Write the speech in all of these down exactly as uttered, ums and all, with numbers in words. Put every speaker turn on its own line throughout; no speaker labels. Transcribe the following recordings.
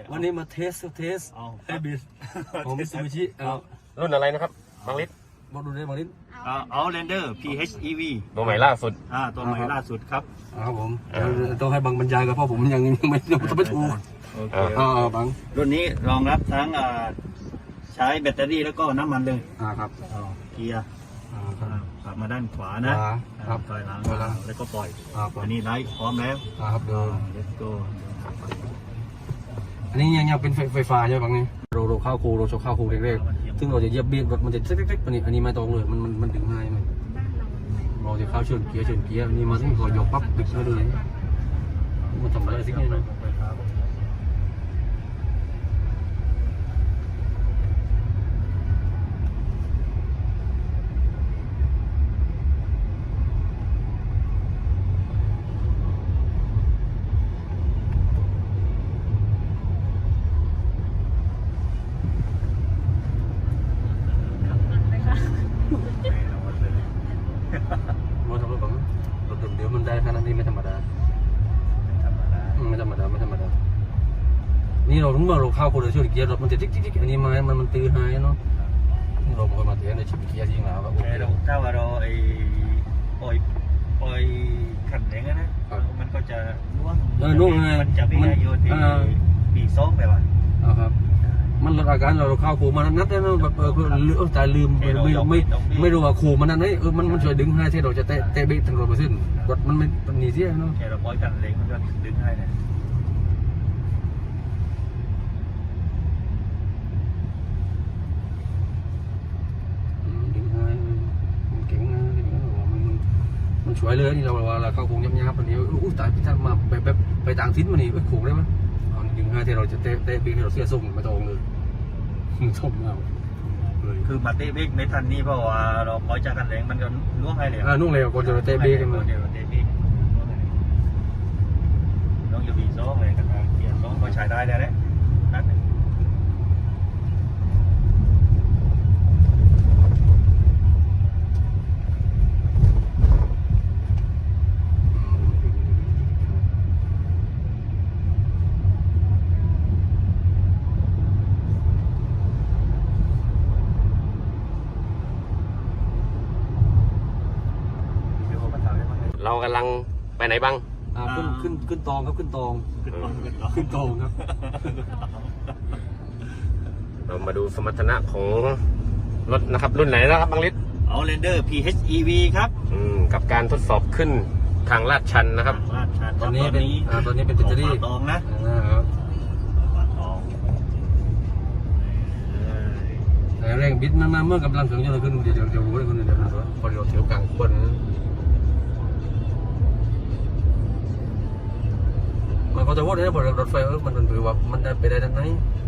วันนี้มาเทสเทสไอบิสของมิตซูบิชิเอา
รุ่นอะไรนะครับบางลิต
บอกดูได้บางลิต
เอาแลนเดอร์ พี เอช อี วี
ตัวใหม่ล่าสุด
อ่าตัวใหม่ล่าสุดครับ
ครับผมต้องให้บางบรรยายกับเพราะผมยังยังไม่ยังไม่ถูก
โอเค
อ่าบาง
รุ่นนี้รองรับทั้งใช้แบตเตอรี่แล้วก็น้ำมันเลย
อ่าครับ
เกียร์ขับมาด้านขวานะครับถอยหลังแล้วก็ปล่อยอันนี้ไลท์พร้อมแล้ว
ครับเดิน
let's go
อันนี้ยังยังเป็นไฟฟ้าใช่ไหมบางนี่เราเราเข้าคูเราชกเข้าคูเล็กๆซึ่งเราจะเหยียบเบรกรถมันจะเล็กๆอันนี้อันนี้ไม่ตรงเลยมันมันมันดึงง่ายมันเราจะเข้าเชิญเกียร์เชิญเกียร์นี่มาที่พอยกปั๊บดึงมาเลยมันทำอะไรสิ่งนี้นะว่าทำรถแบบรถเดี๋ยวมันได้ขนาดนี้ไม่ธรรมดาไม่ธรรมดาไม่ธรรมดานี่เราถึงว่าเราเข้าโคเดอร์ช่วยเกียร์รถมันจะติ๊กติ๊กติ๊กอันนี้มามันมันตื้อหายเนาะนี่เราเคยมาเทียนในชิปเกียร์จริงแล้วแบบโอเค
เราถ้าว่าเราไอ้ปล่อยปล่อยขันแรงนะมันก็จะล่วงมันจะไม่ได้โยนที่ปีโซ่ไปว่ะ
ครับมันลดอาการเราเข้าคูมันนัดแล้วแบบเออลืมแต่ลืมไม่ไม่ไม่รู้ว่าคูมันนั่นเออมันมันช่วยดึงให้ที่เราจะเตะเตะเบรกถึงร้อยเปอร์เซ็นต์รถมันไม่หนีเสียเนาะ
แค่เราปล่อยกันเล็งมันก็ดึงให้เนี่ย
ดึงให้มันเก่งนะมันมันช่วยเลยนี่เราว่าเราเข้าคูยับยับวันนี้อู้ตายถ้ามาไปแบบไปต่างทิศมันนี่ไปคูได้ไหมดึงให้ที่เราจะเตะเตะเบรกให้เราเสียทรงไม่ตรงเลยส้มเรา
คือมาเตะเบรกไม่ทันนี่เพราะว่าเราปล่อยจากกันแรงมันก็ล่วงให้เลย
อ่าล่วงเลยก่อนจะเตะเบรกกันมา
เดี๋ยวเตะเบรกต้องอยู่บีโซ่เลยกันเกียร์โซ่ก็ใช้ได้แล้วเนี่ยนัด
เรากำลังไปไหนบ้าง
อ่าขึ้นขึ้นขึ้นตองครับขึ้นตองขึ้นตองครับ
เรามาดูสมรรถนะของรถนะครับรุ่นไหนนะครับบางลิต
เอาแลนเดอร์ พี เอช อี วี ครับ
อืมกับการทดสอบขึ้นทางลาดชันนะครับ
ลาดชัน
ตอนนี้เป็นอ่าตอนนี้เป็นแบตเตอรี่
ตองนะ
แต่แรงบิดมันมาเมื่อกำลังถึงจะขึ้นเดี๋ยวเดี๋ยวรู้เลยคนเดียวพอเดี๋ยวเถียวกลางคนมันก็จะว่าได้บนรถไฟเออมันมันถือว่ามันได้ไปได้ด้านไหน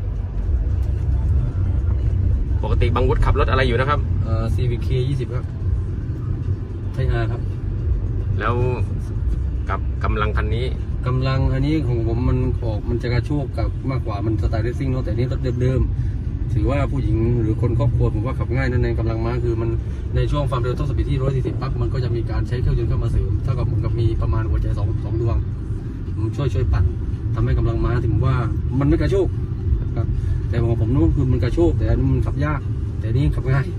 ปกติบางวุฒิขับรถอะไรอยู่นะครับ
เอ่อ ซี วี เค ยี่สิบครับไทยอาร์ครับ
แล้วกับกำลังคันนี้
กำลังอันนี้ของผมมันออกมันจะกระโชกกับมากกว่ามันสไตล์เรซซิ่งเนาะแต่นี้รถเดิมๆถือว่าผู้หญิงหรือคนครอบครัวผมว่าขับง่ายนั่นเองกำลังม้าคือมันในช่วงความเร็วต้องสปีดที่หนึ่งร้อยสี่สิบปั๊บมันก็จะมีการใช้เครื่องยนต์เข้ามาเสริมเท่ากับผมกับมีประมาณหัวใจสองสองดวงมันช่วยช่วยปั่นทำให้กำลังม้าถึงว่ามันไม่กระโชกครับแต่ของผมนู้นคือมันกระโชกแต่อันนี้มันขับยากแต่นี่ขับง่าย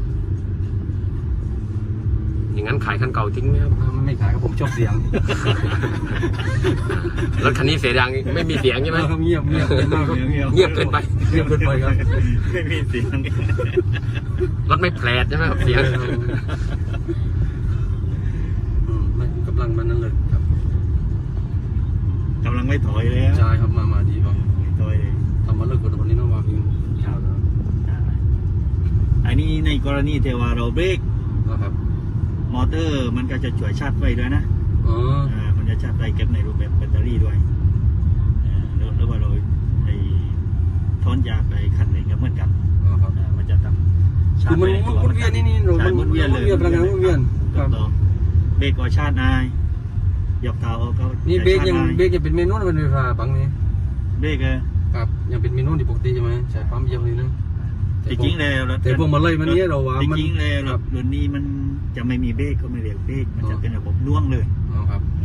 อย่างนั้นขายคันเก่าทิ้งไหมครับ
ไม่ขายครับผมชอบเสียง
รถคันนี้เสียงดังไม่มีเสียงใช่ไหม
เงียบเงียบ
เงียบเกินไป
เงียบเกินไปครับ
ไม่มีเสียง
รถไม่แผลใช่ไหมครับเสียง
กำลังมันนั่นเลยครับ
กำลังไม่ถอยเลย
ใช่ครับมามาดีป่ะ
ถอย
ทำมาเลิกกับวันนี้น้องวาพิง
อันนี้ในกรณีเทวาเราเบรก
ครับ
มอเตอร์มันก็จะช่วยชาร์จไฟด้วยนะ
อ๋อ
มันจะชาร์จไฟเก็บในรูปแบบแบตเตอรี่ด้วยหรือว่าเราไอ้ทอนยาไปขันเองก็เหมือนกันมันจะทำ
ชาร์จไฟคือมันมุนเวียนนี่นี่มันมุนเวียนเลยพลังงานมุนเวียน
ครับเบรกก็ชาร์จนายหยอกเท้าเขา
นี่เบรกยังเบรกยังเป็นเมนูเป็นไฟฟ้าปังนี่
เบรก
ครับยังเป็นเมนูที่ปกติใช่ไหมใช้ปั๊มเยี่ยมเลยนะ
จริงๆเลย
แต่พวกมาเลยมันนี้เราว่า
จริงๆเลยรุ่นนี้มันจะไม่มีเบรกก็ไม่เรียกเบรกมันจะเป็นระบบน่วงเลย
ครับ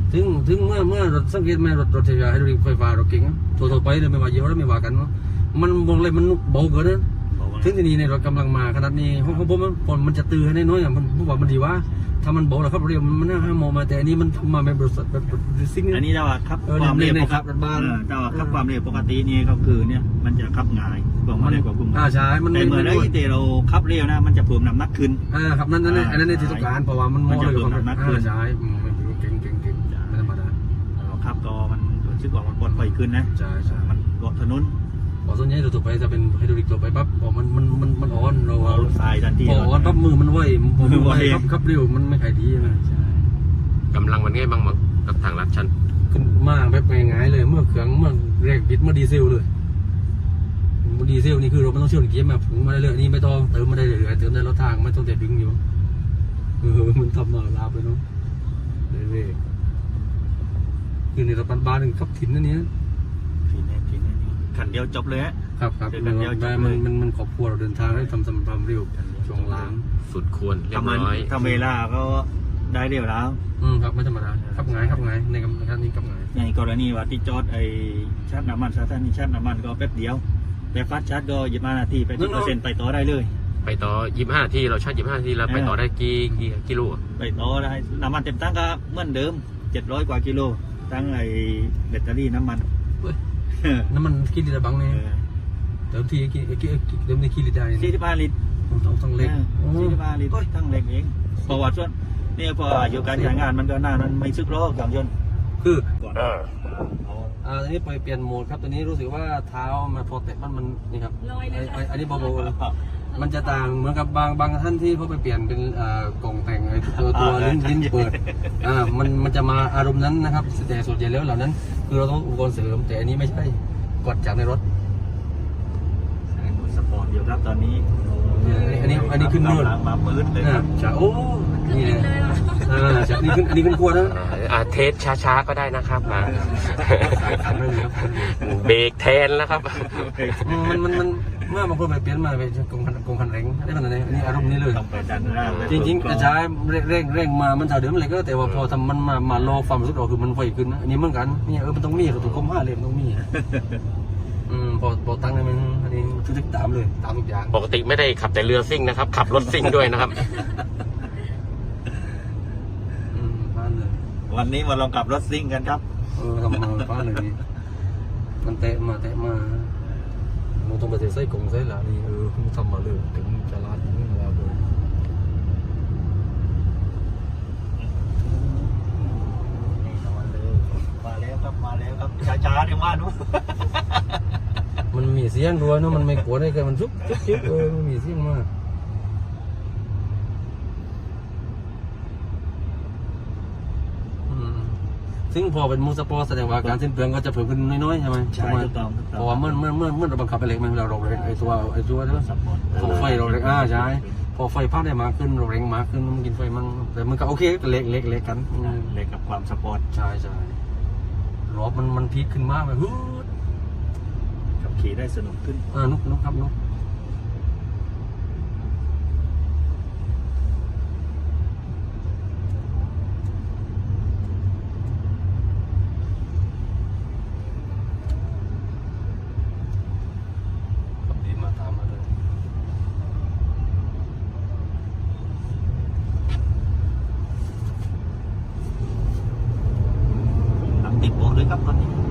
ถึงถึงเมื่อเมื่อรถสังเกตไหมรถรถไฟฟ้าไฮดรอลิกไฟฟ้ารถเก๋งตัวต่อไปเลยไม่ว่าเยอะแล้วไม่ว่ากันเนาะมันมองเลยมันเบาเกินนะถึงที่นี่ในรถกำลังมาขนาดนี้ของของผมฝนมันจะตื้อให้น้อยอ่ะมันผมว่ามันดีว่าถ้ามันเบาแล้วครับเรียวมันน่าห้ามองมาแต่อันนี้มันทำมาแบบรถแบบรถซิ่ง
อันนี้ถ้าว่าขับ
เออ
ความเร็ว
ใน
ป
ค
ก
รับ
ติ
รถบ้าน
เออถ้าว่าขับความเร็วปกตินี่ก็คือเนี่ยมันจะขับง่ายกว่ามันเร็วกว่ากุ้ง
อ่าใช่มัน
แต่
ไม่
เมื่อ
ไม่
ได้
ด้วย
ที่เราขับเร็วนะมันจะเพิ่มน้ำหนักขึ้น
อ่าครับนั่นนั่นอันนั้นในที่ต้องการเพราะว่ามันมองเลยความ
มันจะเพิ่มน้ำหนักขึ้น
อ่าใช่อืมมันเก่งเก่งเก่งไม่ธรรมดา
เราขับก็มันรู้สึกว่ามันปลอดภัยขึ้นนะ
ใช่ใช่
มันรถถนน
พอส่วนใหญ่ตัวต่อไปจะเป็นไฮดรอลิกตัวไปปั๊บพอมันมันมันมันอ่อนเรา
เราทรายทันที
พออ่อนปั๊บมือมันไหวพอมือไหวครับครับเร็วมันไม่ขายดีใช่ไหม
กำลังมันง่ายบ้างมั้งกับทางลัดชัน
ขึ้นมากแบบง่ายๆเลยเมื่อเครื่องเมื่อแรกบิดเมื่อดีเซลเลยเมื่อดีเซลนี่คือเราไม่ต้องเชื่อมเกียร์มาผงมาได้เลยนี่ไม่ต้องเติมมาได้เลยเติมได้รถทางไม่ต้องแต่ดึงอยู่เออมันทำมาลาไปเนาะเรื่อยๆคือในรถบ้านๆหนึ่งขับถิ่นนั่นเนี้ย
ทีนี้ทีนี้ขันเดียวจบเลยฮะ
ครับครับ
เดี๋ยว
มัน
เดี๋ยวจบ
มัน
เลย
มันมันขอบครัวเราเดินทางได้ทำสำความเร็วช่วงล่าง
สุดควรเรียบ
ทำมัน
ร้อย
ทำเวลาก็ได้เร็วแล้ว
อืมครับไม่ธรรมดาขับไงายขับไงายในกำลังนี้ขับไงาย
ในกรณีว่าที่จอดไอ้ชาร์จน้ำมันสถานีชาร์จน้ำมันก็แป๊บเดียว แต่ฟาสต์ชาร์จก็ยี่สิบห้านาทีไปสิบเปอร์เซ็นต์ไปต่อได้เลย
ไปต่อยี่สิบห้านาทีเราชาร์จยี่สิบห้านาทีแล้วไปต่อได้กี่กี่กิโลอะ
ไปต่อได้น้ำมันเต็มตั้งก็เหมือนเดิมเจ็ดร้อยกว่ากิโลตั้งไอ้แบตเตอรี่น้ำมัน
น้ำมันกี่ลิตรบังเนี่ยเติมทีกี่กี่เติมในกี่ลิตรได้
สี่สิบห้าลิตร
ต้องต้องเล็ก
สี่สิบห้าลิตรทั้งเล็กเองเพราะว่าส่วนเนี่ยพออายุการใช้งานมันก็นานมันไม่ซึกโรคอย่างยนต์
คือ
ก่อน
เออ
อ่าตอนนี้ไปเปลี่ยนโหมดครับตอนนี้รู้สึกว่าเท้ามันพอเตะมันมันนี่ครับไอ้ไอ้อันนี้เบาๆมันจะต่างเหมือนกับบางบางท่านที่เขาไปเปลี่ยนเป็นอ่ากล่องแต่งไอ้ตัวตัวลิ้นลิ้นเปิดอ่ามันมันจะมาอารมณ์นั้นนะครับแต่ส่วนใหญ่แล้วเหล่านั้น คือเราต้องอุปกรณ์เสริมแต่อันนี้ไม่ใช่กดจากในรถ
สปอร์ตอยู่ครับตอนนี้
อันนี้อันนี้ขึ้นนวด
กำลังมาปื้นเลยค
อ่า
รับ
ใช่โอ้นี่เลยอ่าใช่นี่ขึ้นอันนี้ขึ้นขวดนะ
อ่าอ่าเทสช้าๆก็ได้นะครับมา
ขันไม่เลยครับ
เบรกแทนแล้วครับ
มันมันมันเมื่อบางคนไปเปลี่ยนมาไปกงคันกงคันเร่งได้ขนาดนี้อันนี้อารมณ์นี้เลย
ต้องไปดันหน้าไป
จริงๆกระจายเร่งเร่งเร่งมามันเท่าเดิมเลยก็แต่ว่าพอทำมันมามาโลความรู้สึกเราคือมันไวขึ้นนะอันนี้เหมือนกันนี่เออมันต้องมีกับตัวคมห้าเลยมันต้องมีอืมพอพอตั้งเลยมันอันนี้ทุกทุกตามเลยตามทุกอย่าง
ปกติไม่ได้ขับแต่เรือซิ่งนะครับ ขับรถซิ่งด้วยนะครับ
อืมพลาดเลย
วันนี้มาลองขับรถซิ่งกันครับ
เออทำมาพลาดเลยนี่มันเตะมาเตะมาเราต้องไปเตะไส้กงไส้หลานี่เออทำมาเลยถึงจะลาดถึงแล้วเลย
นี่มาเลยมาแล้วครับมาแล้วครับช้าๆเดี๋ยวมาดู
มันมีเสียงด้วยเนอะมันไม่กลัวได้แค่มันชุบชุบชุบเออมันมีเสียงมากอืมซึ่งพอเป็นมูสปอร์ตแสดงว่าการสิ้นเปลืองก็จะเพิ่มขึ้นน้อยๆใช่ไหม
ใช่
ประมาณ
ถูกต้องถูกต้อง
เพราะว่าเมื่อเมื่อเมื่อเมื่อเราบังคับไปเล็กมันเราเราเร่งไอ้ตัวไอ้ตัวนั้น
สปอร์ต
พอไฟเราเร่งอ่าใช่พอไฟพาดได้มากขึ้นเราเร่งมากขึ้นมันกินไฟมันแต่มันก็โอเคก็เล็กเล็กเล็กกันอืม
เลยกับความสปอร์ต
ใช่ใช่รอบมันมันพีคขึ้นมากเลยฮู้ด
ขับขี่ได้สนุกขึ้น
อ่านุกนุกครับนุกขับดีมาตามมาเลย
หลังติดโบเลยครับตอนนี้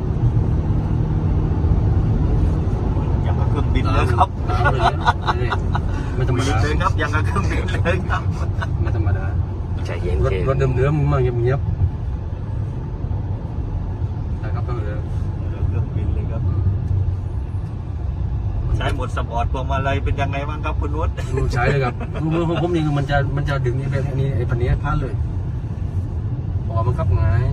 ยังกับเครื่องบินเลยครับ
ตามเลยเนี่ยไม่ธรรมดา
เลยครับยังกับเครื่องบินเลยครับ
ไม่ธรรมดา
ใจเย็น
รถ
เ
รถเดิมๆมาเงียบๆนะครับก็เลย
เครื่องบินเลยครับใช้หมดสปอร์ตพวงมาลัยเป็นยังไงบ้างครับคุณนุช
ดูใช้เลยครับมือของผมนี่คือมันจะมันจะดึงนี่เป็นอันนี้ไอ้พันนี้พลาดเลยอ๋อมันขับง่าย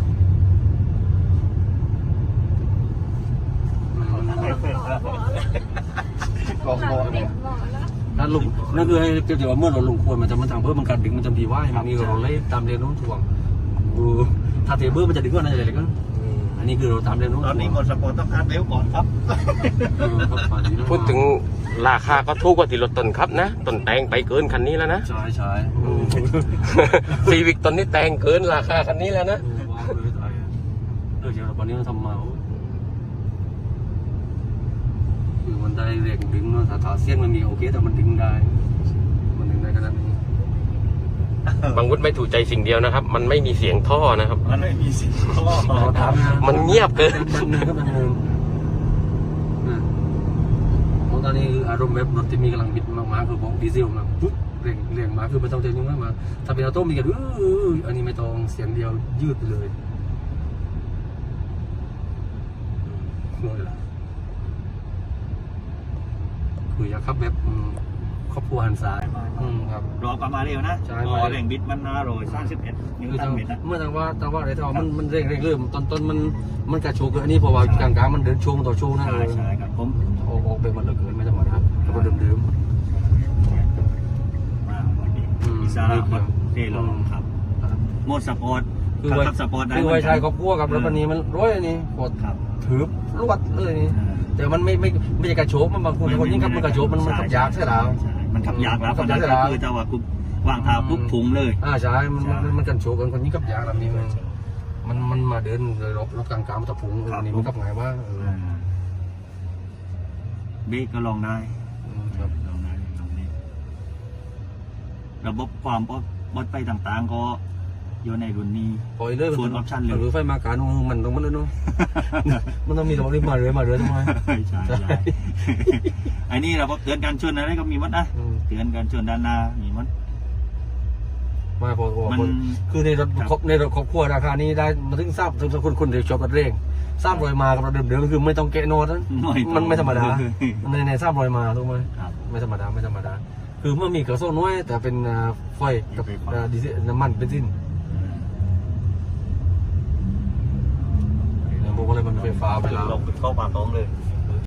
กองบอลเนี่ยนั่นลุงนั่นคือให้เกี่ยวกับเมื่อเราลงควรมันจะมันทางเพิ่มมันการดึงมันจะดีว่ามันมีเราไล่ตามเรียนรู้ถ่วงถ้าเทเบิลมันจะดึงก็นั่นอะไรก็อันนี้คือเราตามเรียนรู้
ตอนนี้หมดสปอร์ตต้องการเร็วก่อนครับ
พูดถึงราคาก็ถูกกว่าที่รถต้นครับนะต้นแตงไปเกินคันนี้แล้วนะ
ใช่ใช่
ซีวิกตอนนี้แตงเกินราคาคันนี้แล้วนะ
ว้าวเลยวันนี้เราทำมาคือมันได้แรงดึงเนาะถ้าถาเสี้ยงมันมีโอเคแต่มันดึงได้มันดึงได้ขนาดนี้
บางวุฒิไม่ถูกใจสิ่งเดียวนะครับ มันไม่มีเสียงท่อนะครับ
มันไม่มีสิ่งข้อ
เราทำนะ
มันเงียบเกิน
มันหนึ่งก็มันหนึ่งนะเพราะตอนนี้คืออารมณ์แบบรถที่มีกำลังบิดมากๆคือบอกดีเซลมาปุ๊บเร่งเร่งมาคือไม่ต้องใจยุ่งมากมาถ้าเป็นออโต้มีกันอื้ออันนี้ไม่ต้องเสียงเดียวยืดไปเลยงงละคืออยากขับแบบอืมครอบครัวหันซ้ายอืมครับ
รอกลับมาเร็วนะ
ใช่
รอแรงบิดมันนาโรยสามสิบเอ็ดนิ้ว
คือ
ตั้
ทาง ง
เม็ดนะ
เมื่อทางว่าทางว่าอะไรทางว่ามันมันเร่งเร่งเริ่มตอนต้นมันมันกระโชกเกินอันนี้เพราะว่ากลางกลางๆมันเดินช่วงต่อช่วงนะ
ใช่ใช่ครับผม
ออกออกไปหมดเลยเกินไม่ธรรมดาแล้วก็เดิมเดิม
มาวันนี้
อืม
อิสระครับเท่ลองครับโหมดสปอร์ต
ๆคือ
ขับ
ไว้
ขับสปอร์ตได้
คือไว้ชายครอบครัวกับรถคันนี้มันร้อยอันนี้กด
ครับ
ถือรวดเลยนี่แต่มันไม่ไม่ไม่ใช่กระโชกมันบางคนคนยิ่งขับมันกระโชกมันมันขับยากใช่แล้ว
ใช่มันขับยากแล้ว
ขั
ขั
บบ ยาย
าก ก
ใช่แล้ว
คือจะว่ากูวางเท้าปุ๊บถุงเลย
อ่าใช่มันมันมันกันโชกกันคนยิ่งขับยากแบบนี้มันมันมันมาเดินเลยรถรถกลางกลางมันตะพุงเอออันนี้มันขับไงว่าเออ
เบรกก็ลองได้
อืมครับ
ลองได้ลองได้ระบบความปลอดปลอดภัยต่างๆก็อยู่ในรุ่นนี้
ปล่อยเลย
ส่วน option เลย
หรือไฟมาการมันต้องมันเลยเนาะ มันต้องมีระบบรีบมาเรือมาเรือทำไม
ใช่ใช่ใช่ อันนี้เราก็เตือนการชนอะไรก็มีมัดนะ
อืม
เตือนการชนด้านหน้ามีมัด
มาพอพอ
มัน
พอคือในรถ
ครับ
ครบในรถครอบครัวราคานี้ได้มาถึงทราบถึงคนคนเดียวชอบรถเร่งทราบรอยมากับรถเดิมๆคือไม่ต้องแกะโน้ตนั้น มันไม่ธรรมดา ในในทราบรอยมาถูกไหม
ครับ
ไม่ธรรมดาไม่ธรรมดา คือเมื่อมีกระโซ่น้อยแต่เป็นอ่าไฟกับ
ไฟฟ้า
อ่าดีเซลน้ำมันเบนซินเนี่ยบอกว่าอะไรมันไฟฟ้าไปแล้ว
ลงไปเข้าปากท้องเลย
อ